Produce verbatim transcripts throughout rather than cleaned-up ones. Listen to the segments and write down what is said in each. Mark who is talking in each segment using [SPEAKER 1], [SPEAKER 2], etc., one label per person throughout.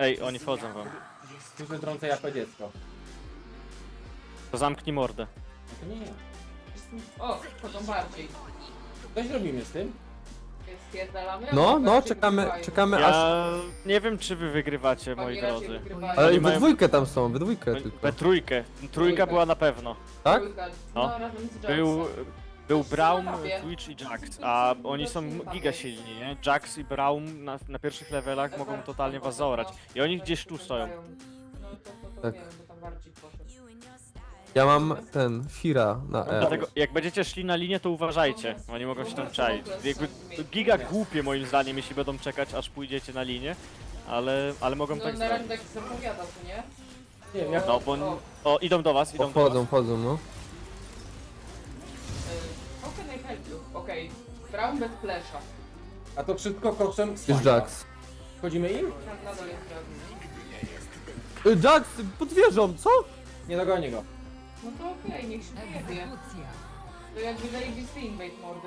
[SPEAKER 1] Ej, oni wchodzą wam.
[SPEAKER 2] Tu się drącę jako dziecko.
[SPEAKER 1] To zamknij mordę.
[SPEAKER 2] No to nie ja.
[SPEAKER 3] O, chodzą bardziej.
[SPEAKER 2] Coś robimy z tym?
[SPEAKER 3] Spierdalamy?
[SPEAKER 4] No, no,
[SPEAKER 3] Bardziej
[SPEAKER 4] czekamy,
[SPEAKER 3] wygrywają.
[SPEAKER 4] czekamy aż...
[SPEAKER 1] Ja nie wiem, czy wy wygrywacie, moi
[SPEAKER 3] Oni raczej
[SPEAKER 1] drodzy.
[SPEAKER 3] wygrywają.
[SPEAKER 4] Ale
[SPEAKER 1] Oni
[SPEAKER 4] we
[SPEAKER 1] mają-
[SPEAKER 4] dwójkę tam są, we dwójkę
[SPEAKER 1] We,
[SPEAKER 4] tylko.
[SPEAKER 1] we trójkę. Trójka była na pewno.
[SPEAKER 4] Tak?
[SPEAKER 3] Trójka.
[SPEAKER 1] No.
[SPEAKER 3] No, razem z
[SPEAKER 1] Był,
[SPEAKER 3] Jacksem.
[SPEAKER 1] był Braum,
[SPEAKER 3] mapie.
[SPEAKER 1] Twitch i Jax, a oni są giga silni, nie? Jax i Braum na, na pierwszych levelach mogą totalnie was zaorać. I oni gdzieś tu stoją.
[SPEAKER 3] No to, to, to
[SPEAKER 4] Tak.
[SPEAKER 3] wiem, bo tam bardziej poszedł.
[SPEAKER 4] Ja mam ten, Fira na E.
[SPEAKER 1] Dlatego jak będziecie szli na linię, to uważajcie. Oni mogą się tam czaić. Jakby to giga głupie moim zdaniem, jeśli będą czekać, aż pójdziecie na linię. Ale, ale mogą
[SPEAKER 3] No
[SPEAKER 1] tak
[SPEAKER 3] na razie
[SPEAKER 1] zrobić.
[SPEAKER 3] tak zapowiada, co nie?
[SPEAKER 2] Nie wiem, jak...
[SPEAKER 1] No bo... O, idą do was, idą do
[SPEAKER 4] Wchodzą,
[SPEAKER 1] was.
[SPEAKER 4] wchodzą, no.
[SPEAKER 3] Y, How can I help you? Okej. Brown bez flesza.
[SPEAKER 2] A to wszystko kosztem
[SPEAKER 4] Jest
[SPEAKER 2] słońca.
[SPEAKER 4] Jax.
[SPEAKER 2] Wchodzimy im?
[SPEAKER 3] Na, na dole jest Brown.
[SPEAKER 4] Y, Jax, pod wieżą, co?
[SPEAKER 2] Nie dogonię go.
[SPEAKER 3] No to okej, niech się pojedzie. To jakby zajebisty invade mordy.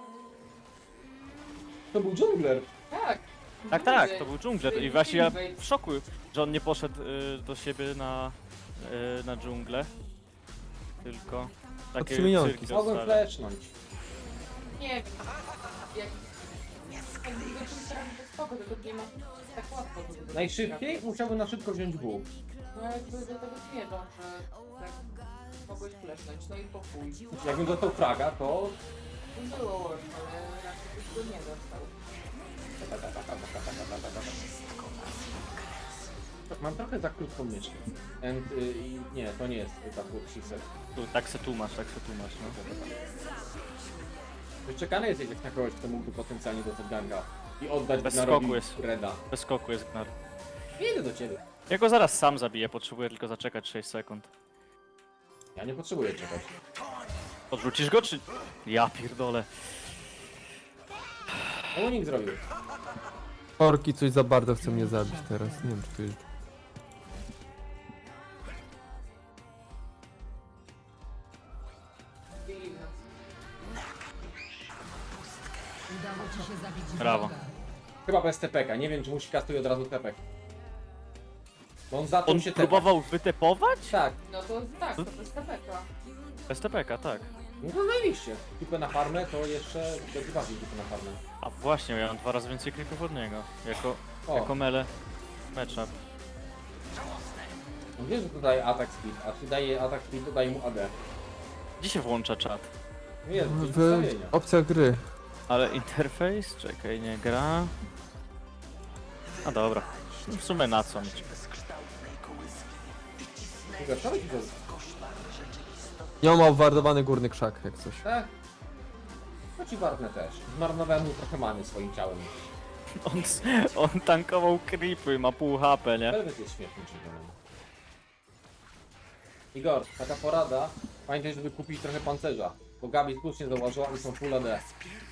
[SPEAKER 2] To był dżungler.
[SPEAKER 3] Tak.
[SPEAKER 1] Tak, tak, to był dżungler i właśnie ja w szoku, że on nie poszedł y, do siebie na, y, na dżunglę. Tylko takie
[SPEAKER 4] Trzy minionki.
[SPEAKER 1] cyrki
[SPEAKER 2] Mogłem
[SPEAKER 1] zostawia.
[SPEAKER 2] flashnąć.
[SPEAKER 3] Nie wiem. Jak... Jak go czymś trafi, to spoko, tylko nie ma tak łatwo. do tego
[SPEAKER 2] Najszybciej musiałbym na szybko wziąć W.
[SPEAKER 3] No jakby do tego zmierzą, że tak mogłeś flesznąć, no i po chuj.
[SPEAKER 2] Jakbym dostał fraga, to...
[SPEAKER 3] Było worse, ale raczej byś go nie dostał.
[SPEAKER 2] Mam trochę za krótką myszkę. And, y, i nie, to nie jest tak what
[SPEAKER 1] Tu, tak se tłumacz, tak se tłumacz, no.
[SPEAKER 2] Wyczekany jest jak na kogoś, kto mógłby potencjalnie dostać ganga i oddać
[SPEAKER 1] Bez
[SPEAKER 2] Gnarowi
[SPEAKER 1] skoku jest.
[SPEAKER 2] Reda.
[SPEAKER 1] Bez skoku jest Gnar.
[SPEAKER 2] Nie idę do ciebie.
[SPEAKER 1] Ja go zaraz sam zabiję, potrzebuję tylko zaczekać sześć sekund.
[SPEAKER 2] Ja nie potrzebuję czekać.
[SPEAKER 1] Odrzucisz go, czy... Ja pierdolę.
[SPEAKER 2] No bo nikt zrobił.
[SPEAKER 4] Korki coś za bardzo chce mnie zabić teraz, nie wiem czy to jest...
[SPEAKER 3] Bili w nas.
[SPEAKER 5] Udało ci się zabić
[SPEAKER 1] Brawo.
[SPEAKER 5] wroga.
[SPEAKER 2] Chyba bez T P K, nie wiem czy musi kastuje od razu T P K. Bo on zaczął
[SPEAKER 1] On
[SPEAKER 2] się tepać.
[SPEAKER 1] próbował wytepować?
[SPEAKER 2] Tak,
[SPEAKER 3] No to tak, to jest tapeka.
[SPEAKER 1] Bez T P K, tak.
[SPEAKER 2] no to zajebiście. Tipę na farmę to jeszcze będzie bardziej tipę na farmę.
[SPEAKER 1] A właśnie, ja mam dwa razy więcej creepów od niego. Jako,
[SPEAKER 2] O,
[SPEAKER 1] jako mele matchup.
[SPEAKER 2] on wie, że to daje atak speed, a czy daje atak speed, to daje mu A D.
[SPEAKER 1] Gdzie się włącza czat?
[SPEAKER 2] No jest,
[SPEAKER 4] W
[SPEAKER 2] ustawienia.
[SPEAKER 4] opcjach gry.
[SPEAKER 1] Ale interfejs? Czekaj, nie gra. A dobra. W sumie na co mieć?
[SPEAKER 2] Wczoraj ci to...
[SPEAKER 4] Ja mam obwardowany górny krzak, jak coś.
[SPEAKER 2] Tak? No ci wartnę też. Zmarnowałem mu trochę many swoim ciałem.
[SPEAKER 1] On, on tankował creepy, ma pół H P, nie?
[SPEAKER 2] Velvet jest śmiesznym czempionem. Igor, taka porada. Pamiętaj, żeby kupić trochę pancerza. Bo Gabi słusznie zauważyła, że są full A D.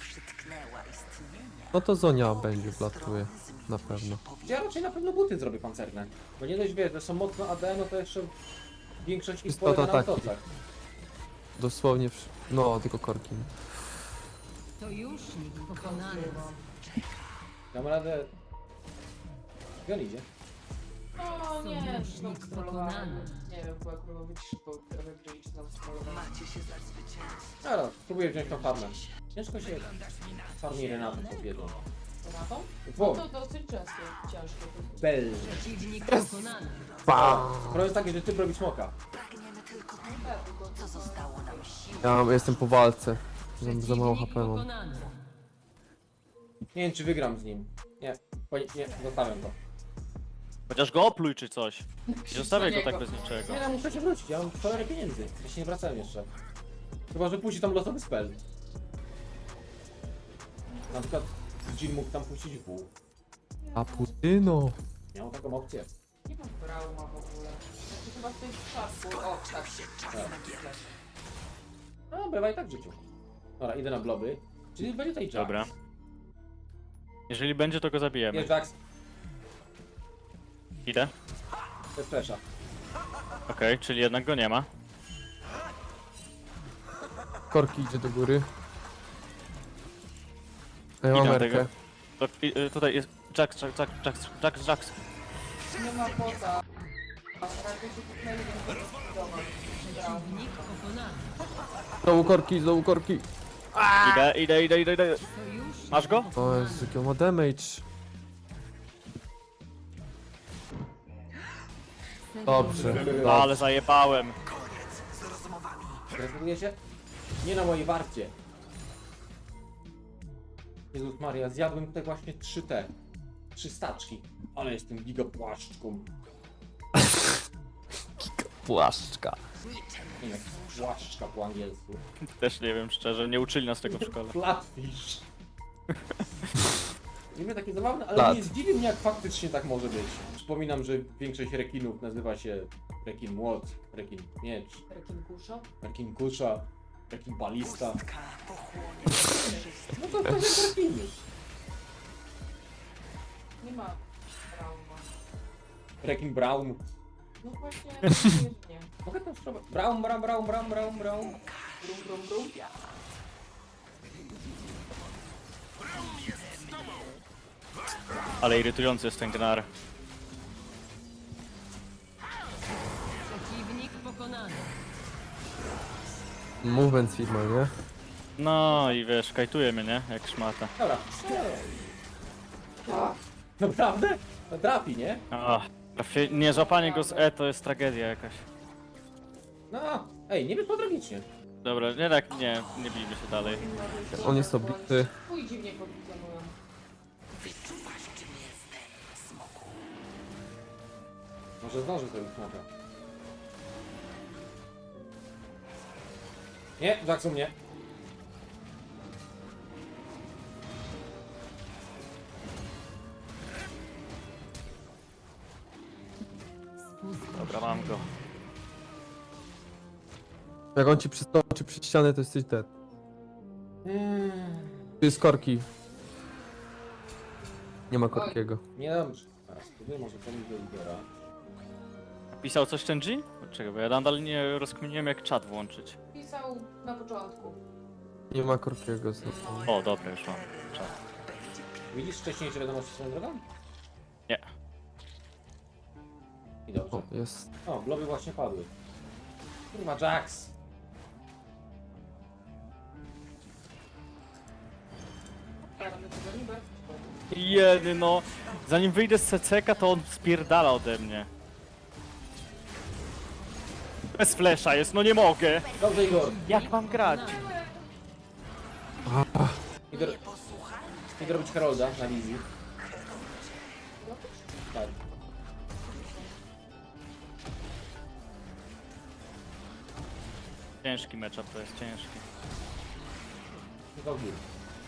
[SPEAKER 4] No to Zonia będzie wlatuje, na pewno.
[SPEAKER 2] Ja raczej na pewno buty zrobię pancerne. Bo nie dość wiesz, że są mocno A D, no to jeszcze większość ich
[SPEAKER 4] Istota
[SPEAKER 2] polega na
[SPEAKER 4] taki.
[SPEAKER 2] autocach.
[SPEAKER 4] Dosłownie, wsz- no tylko korki.
[SPEAKER 5] Sojusznik pokonany.
[SPEAKER 2] Dam radę... Gdzie on idzie?
[SPEAKER 3] O nie,
[SPEAKER 5] Sojusznik
[SPEAKER 3] znowu strollowałem.
[SPEAKER 5] pokonany.
[SPEAKER 3] Nie wiem, chyba kurwa być szybko, trochę wyjść znowu strollowałem.
[SPEAKER 2] Dobra, spróbuję wziąć tą farmę. Ciężko się farmi Renatą podbiedą.
[SPEAKER 3] Renatą?
[SPEAKER 2] Wo,
[SPEAKER 3] No to dosyć ciężkie, ciężkie.
[SPEAKER 2] Bell.
[SPEAKER 5] Przeciwnik pokonany.
[SPEAKER 2] Problem jest taki, że ty robisz smoka.
[SPEAKER 3] Tak, tylko co zostało nam?
[SPEAKER 4] Ja mam- jestem po walce. Mam za mało H
[SPEAKER 5] Przeciwnik
[SPEAKER 4] P mam.
[SPEAKER 5] pokonany.
[SPEAKER 2] Nie wiem, czy wygram z nim. Nie, bo nie, nie, zostawiam to.
[SPEAKER 1] Chociaż go opluj czy coś. Nie zostawiaj go tak bez niczego.
[SPEAKER 2] Nie, no muszę się wrócić, ja mam cholerę pieniędzy. Ja się nie wracałem jeszcze. Chyba, że puści tam losowy spell. Na przykład Jill mógł tam puścić W.
[SPEAKER 4] A Putyno.
[SPEAKER 2] Miał taką opcję.
[SPEAKER 3] Nie mam trauma w ogóle. Znaczy chyba w tej przypadku. O, tak.
[SPEAKER 2] Tak. No, bywa i tak w życiu. Dobra, idę na bloby. Czyli będzie tej Jax.
[SPEAKER 1] Dobra. Jeżeli będzie, to go zabijemy.
[SPEAKER 2] Jest Jax,
[SPEAKER 1] Idę.
[SPEAKER 2] bez flesza.
[SPEAKER 1] Okej, czyli jednak go nie ma.
[SPEAKER 4] Korki idzie do góry. A ja
[SPEAKER 1] Idę
[SPEAKER 4] mam
[SPEAKER 1] na tego.
[SPEAKER 4] Erkę.
[SPEAKER 1] To, i, y, tutaj jest Jax, Jax, Jax, Jax, Jax, Jax.
[SPEAKER 3] Nie ma pota. Raczej się kupnęli, więc zdecydować.
[SPEAKER 5] Przeciwnik pokonany.
[SPEAKER 4] Znowu korki, znowu korki.
[SPEAKER 1] Idę, idę, idę, idę, idę.
[SPEAKER 5] Sojusznik
[SPEAKER 1] Masz go?
[SPEAKER 4] O Jezu, jaki on ma damage. Dobrze, dobrze.
[SPEAKER 1] Ale zajebałem.
[SPEAKER 2] Gratuluję się? Nie na mojej warcie. Jezus Maria, zjadłem tutaj właśnie trzy te. Trzy staczki. Ale jestem gigapłaszczką.
[SPEAKER 4] Płaszczka.
[SPEAKER 2] Nie wiem, jak płaszczka po angielsku.
[SPEAKER 1] Też nie wiem szczerze, nie uczyli nas tego w szkole.
[SPEAKER 2] Flatfish. Nie wiem, takie zabawne, ale
[SPEAKER 4] Flat.
[SPEAKER 2] nie zdziwi mnie, jak faktycznie tak może być. Przypominam, że większość rekinów nazywa się rekin młot, rekin miecz,
[SPEAKER 3] Rekin kuszo?
[SPEAKER 2] rekin kusza, rekin balista. No to to jest rekiny.
[SPEAKER 3] Nie ma trauma.
[SPEAKER 2] Rekin brown.
[SPEAKER 3] No właśnie, nie.
[SPEAKER 2] Mogę tam spróbować? Brown, brown, brown, brown, brown, brown.
[SPEAKER 3] Brum, brum, brum.
[SPEAKER 1] Ale irytujący jest ten gnar.
[SPEAKER 5] Przeciwnik pokonany.
[SPEAKER 4] Movement firma, nie?
[SPEAKER 1] No i wiesz, kajtuje mnie, nie? Jak szmata.
[SPEAKER 2] Dobra. A, naprawdę? No trafi, nie?
[SPEAKER 1] Ach, trafie- nie, złapanie go z E to jest tragedia jakaś.
[SPEAKER 2] No, ej, nie wyszło tragicznie.
[SPEAKER 1] Dobra, nie tak, nie, nie bijmy się dalej.
[SPEAKER 4] On jest obity.
[SPEAKER 3] Chuj dziwnie funkcjonują.
[SPEAKER 2] Może zdąży sobie smoka. Nie, Jackson mnie.
[SPEAKER 1] Dobra, mam go.
[SPEAKER 4] Jak on ci przystoczy przy ścianę, to jesteś dead.
[SPEAKER 2] Mm,
[SPEAKER 4] Tu jest korki. Nie ma korkiego.
[SPEAKER 2] nie dobrze. Teraz spróbuję może pomóc do lidera.
[SPEAKER 1] Pisał coś ten G? Czekaj, bo ja nadal nie rozkminiłem jak czat włączyć.
[SPEAKER 3] Pisał na początku.
[SPEAKER 4] Nie ma korkiego znowu.
[SPEAKER 1] O, dobra, już mam czat.
[SPEAKER 2] Widzisz wcześniejsze wiadomości swoją drogą?
[SPEAKER 1] Nie.
[SPEAKER 2] I dobrze.
[SPEAKER 4] O, jest.
[SPEAKER 2] O, bloby właśnie padły. Kurwa, Jax!
[SPEAKER 3] Karny tego niby.
[SPEAKER 1] Jedy no, zanim wyjdę z C C K to on spierdala ode mnie. Bez flesza jest, no nie mogę.
[SPEAKER 2] Dobrze, Igor.
[SPEAKER 1] Jak mam grać?
[SPEAKER 2] Idę, idę robić Herolda na wizji. Tak.
[SPEAKER 1] Ciężki matchup to jest, ciężki.
[SPEAKER 2] Tylko w górę.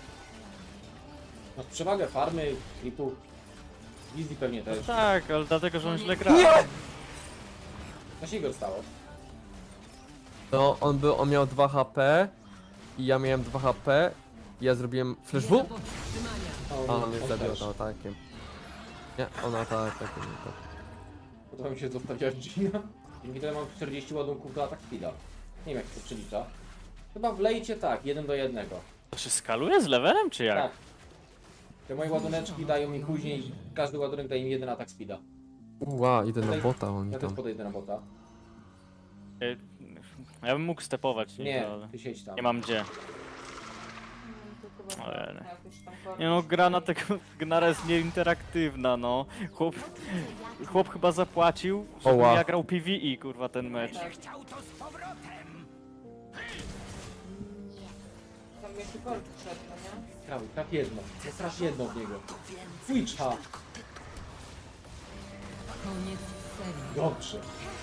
[SPEAKER 2] Masz przewagę farmy, klipu. Wizji pewnie też.
[SPEAKER 1] Tak, ale dlatego, że on źle gra.
[SPEAKER 2] Co się Igor stało?
[SPEAKER 4] No, on był, on miał dwa H P i ja miałem dwa H P. I ja zrobiłem flash
[SPEAKER 5] Nie do
[SPEAKER 4] W,
[SPEAKER 5] powstrzymania.
[SPEAKER 2] O,
[SPEAKER 4] a on mnie zabił
[SPEAKER 2] też.
[SPEAKER 4] atakiem. Nie, on atakiem. tak.
[SPEAKER 2] Podoba mi się zostawiać Gina. Dzięki temu mam czterdzieści ładunków do atak speeda. Nie wiem jak to przelicza. Chyba w lejcie tak, jeden do jednego.
[SPEAKER 1] To się skaluje z levelem, czy jak?
[SPEAKER 2] Tak. Te moje ładuneczki dają mi później, każdy ładunek daje mi jeden atak speeda.
[SPEAKER 4] Uła, idę na bota, oni
[SPEAKER 2] Ja też
[SPEAKER 4] tam.
[SPEAKER 2] podejdę na bota.
[SPEAKER 1] Y, Ja bym mógł stepować, nie,
[SPEAKER 2] Nie,
[SPEAKER 1] ale
[SPEAKER 2] ty siedź tam.
[SPEAKER 1] nie mam gdzie.
[SPEAKER 3] To chyba
[SPEAKER 1] Ojej.
[SPEAKER 3] jakoś tam korki.
[SPEAKER 1] Nie no, gra na tego Gnara jest nieinteraktywna, no. Chłop, chłop chyba zapłacił, żebym
[SPEAKER 4] Oła.
[SPEAKER 1] ja grał P V E, kurwa, ten mecz.
[SPEAKER 3] Tak. Tam jeszcze korki wszedł, no nie?
[SPEAKER 2] Traf, traf jedno. No traf jedno w niego. Twitcha.
[SPEAKER 5] Koniec serii.
[SPEAKER 2] Dobrze.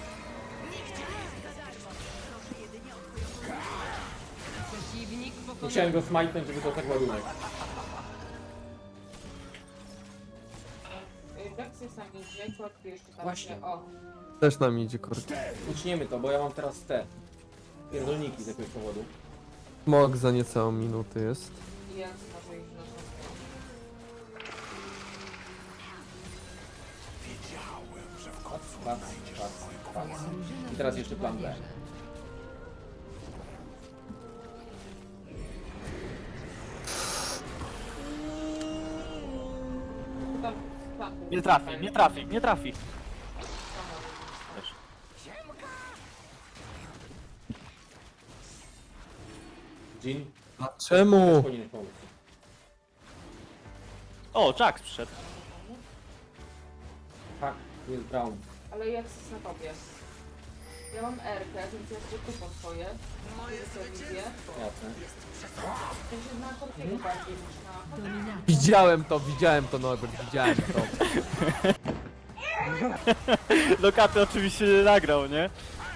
[SPEAKER 5] Przeciwnik pokonany.
[SPEAKER 2] Musiałem go smajtnąć, żeby dostać ładunek.
[SPEAKER 3] Y, Jax jest na midzie, korki jeszcze tam
[SPEAKER 2] Właśnie.
[SPEAKER 3] się- O,
[SPEAKER 4] Też nam idzie korki.
[SPEAKER 2] Uczniemy to, bo ja mam teraz te pierdolniki z jakiegoś powodu.
[SPEAKER 4] Smog za niecałą minutę jest.
[SPEAKER 3] i Jax może iść na to.
[SPEAKER 2] Patrz, patrz, patrz, patrz.
[SPEAKER 5] Drużyna
[SPEAKER 2] I teraz jeszcze plan B.
[SPEAKER 5] bierze.
[SPEAKER 3] Tam, tam.
[SPEAKER 1] Nie trafi, nie trafi, nie trafi.
[SPEAKER 2] Jin,
[SPEAKER 4] A czemu?
[SPEAKER 2] powinien pomóc.
[SPEAKER 1] O, Jax przyszedł.
[SPEAKER 2] Tak, jest Brown.
[SPEAKER 3] Ale jak jest na tobie? Ja mam R-kę, więc ja sobie kupam swoje. Moje wizję.
[SPEAKER 2] Jasne.
[SPEAKER 3] To się na Korkiego bardziej niż na...
[SPEAKER 5] Dominacja.
[SPEAKER 4] Widziałem to, widziałem to, Norbert, widziałem to.
[SPEAKER 1] Lokaty oczywiście nie nagrał, nie?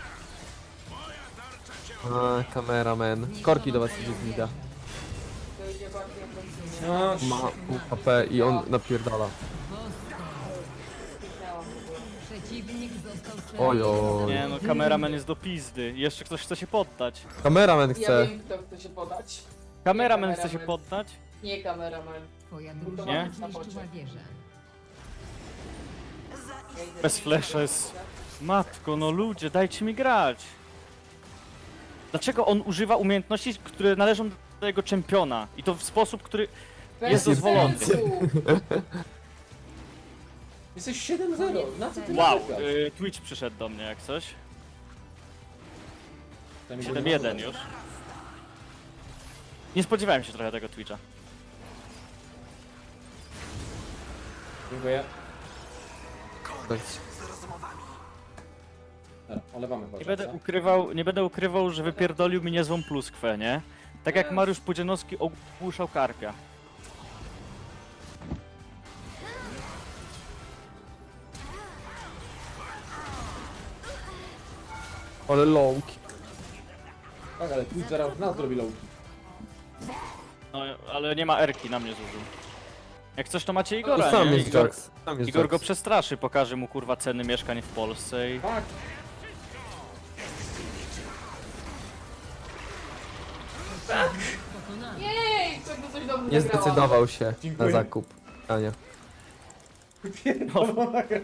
[SPEAKER 4] A, kameraman. Korki do was idzie z mida.
[SPEAKER 3] To idzie bardziej ofensywnie.
[SPEAKER 2] No,
[SPEAKER 4] Ma pół H P i on napierdala.
[SPEAKER 3] Kliknęłam w ogóle.
[SPEAKER 5] Przeciwnik został
[SPEAKER 4] Ojoj.
[SPEAKER 1] Nie no, kameraman jest do pizdy. Jeszcze ktoś chce się poddać.
[SPEAKER 4] Kameraman
[SPEAKER 3] Ja
[SPEAKER 4] chce.
[SPEAKER 3] wiem, kto chce się podać.
[SPEAKER 1] Kameraman
[SPEAKER 3] Nie,
[SPEAKER 1] chce się
[SPEAKER 3] kameraman.
[SPEAKER 1] poddać?
[SPEAKER 3] Nie kameraman.
[SPEAKER 5] Twoja
[SPEAKER 3] Nie?
[SPEAKER 5] drużyna zniszczyła wieżę.
[SPEAKER 3] Ja idę
[SPEAKER 1] Bez
[SPEAKER 3] do
[SPEAKER 1] flasha jest... Matko, no ludzie, dajcie mi grać. Dlaczego on używa umiejętności, które należą do jego czempiona? I to w sposób, który...
[SPEAKER 3] Bez
[SPEAKER 1] jest dozwolony.
[SPEAKER 3] sensu.
[SPEAKER 2] jesteś siedem zero, na co ty
[SPEAKER 1] Wow,
[SPEAKER 2] narzekasz?
[SPEAKER 1] y, Twitch przyszedł do mnie jak coś.
[SPEAKER 2] Tam
[SPEAKER 1] siedem jeden już. Nie spodziewałem się trochę tego Twitcha.
[SPEAKER 2] Dziękuję.
[SPEAKER 4] Tak.
[SPEAKER 2] Dobra, olewamy chyba
[SPEAKER 1] Nie będę
[SPEAKER 2] czas,
[SPEAKER 1] ukrywał, nie będę ukrywał, że wypierdolił mi niezłą pluskwę, nie? Tak jak Mariusz Pudzianowski ogłuszał Karpia.
[SPEAKER 4] Ale lowki.
[SPEAKER 2] tak, ale Twitch zaraz nas zrobi lowki.
[SPEAKER 1] No, ale nie ma Erki, na mnie zużył. Jak coś to macie
[SPEAKER 4] To
[SPEAKER 1] Igora,
[SPEAKER 4] sam
[SPEAKER 1] nie?
[SPEAKER 4] jest
[SPEAKER 1] Igor,
[SPEAKER 4] Jax. Sam jest
[SPEAKER 1] Igor go
[SPEAKER 4] Jax.
[SPEAKER 1] przestraszy, pokaże mu kurwa ceny mieszkań w Polsce i...
[SPEAKER 2] Tak,
[SPEAKER 5] Pokonany.
[SPEAKER 3] Jej, czego coś dobrze
[SPEAKER 4] Nie
[SPEAKER 3] zagrałam.
[SPEAKER 4] zdecydował się
[SPEAKER 2] Dziękuję.
[SPEAKER 4] na zakup. Ania.
[SPEAKER 2] pierdolona gra.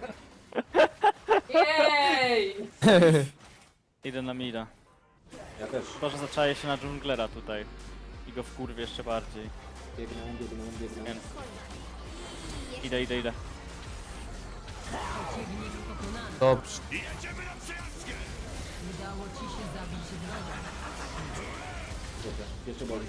[SPEAKER 3] Jej!
[SPEAKER 1] Idę na mida.
[SPEAKER 2] Ja też.
[SPEAKER 1] Chyba, że zaczaję się na dżunglera tutaj. I go wkurwię jeszcze bardziej.
[SPEAKER 2] Biegnę, biegnę, biegnę.
[SPEAKER 1] Więc... Idę, idę, idę.
[SPEAKER 5] Przeciwnik pokonany.
[SPEAKER 4] Dobrze.
[SPEAKER 5] Udało ci się zabić wroga.
[SPEAKER 2] Dobra, jeszcze boli.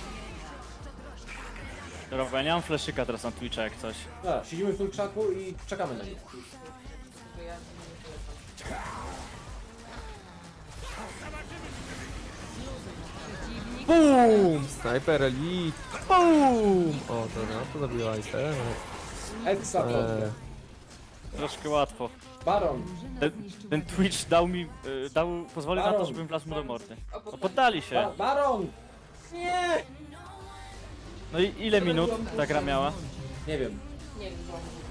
[SPEAKER 1] Dobra, bo ja nie mam fleszyka teraz na Twitcha jak coś.
[SPEAKER 2] Dobra, siedzimy w tym krzaku i czekamy na nich.
[SPEAKER 3] To ja nie polecam.
[SPEAKER 5] Przeciwnik
[SPEAKER 4] BUM! Sniper Elite. BUM! O, dobra, to zabiła Ice.
[SPEAKER 2] Edsa,
[SPEAKER 4] Eee,
[SPEAKER 1] Troszkę łatwo.
[SPEAKER 2] Baron.
[SPEAKER 5] drużyna
[SPEAKER 1] Ten,
[SPEAKER 5] zniszczyła
[SPEAKER 1] ten
[SPEAKER 5] wieżę.
[SPEAKER 1] Twitch dał mi... y, dał... pozwolił na to,
[SPEAKER 2] Baron.
[SPEAKER 1] żebym wlazł mu do mordy.
[SPEAKER 3] O,
[SPEAKER 1] No
[SPEAKER 3] poddali.
[SPEAKER 1] poddali się.
[SPEAKER 2] Ba Baron! Nie!
[SPEAKER 1] No i ile minut ta gra miała?
[SPEAKER 2] Nie wiem.
[SPEAKER 3] Nie wiem, co on mówi.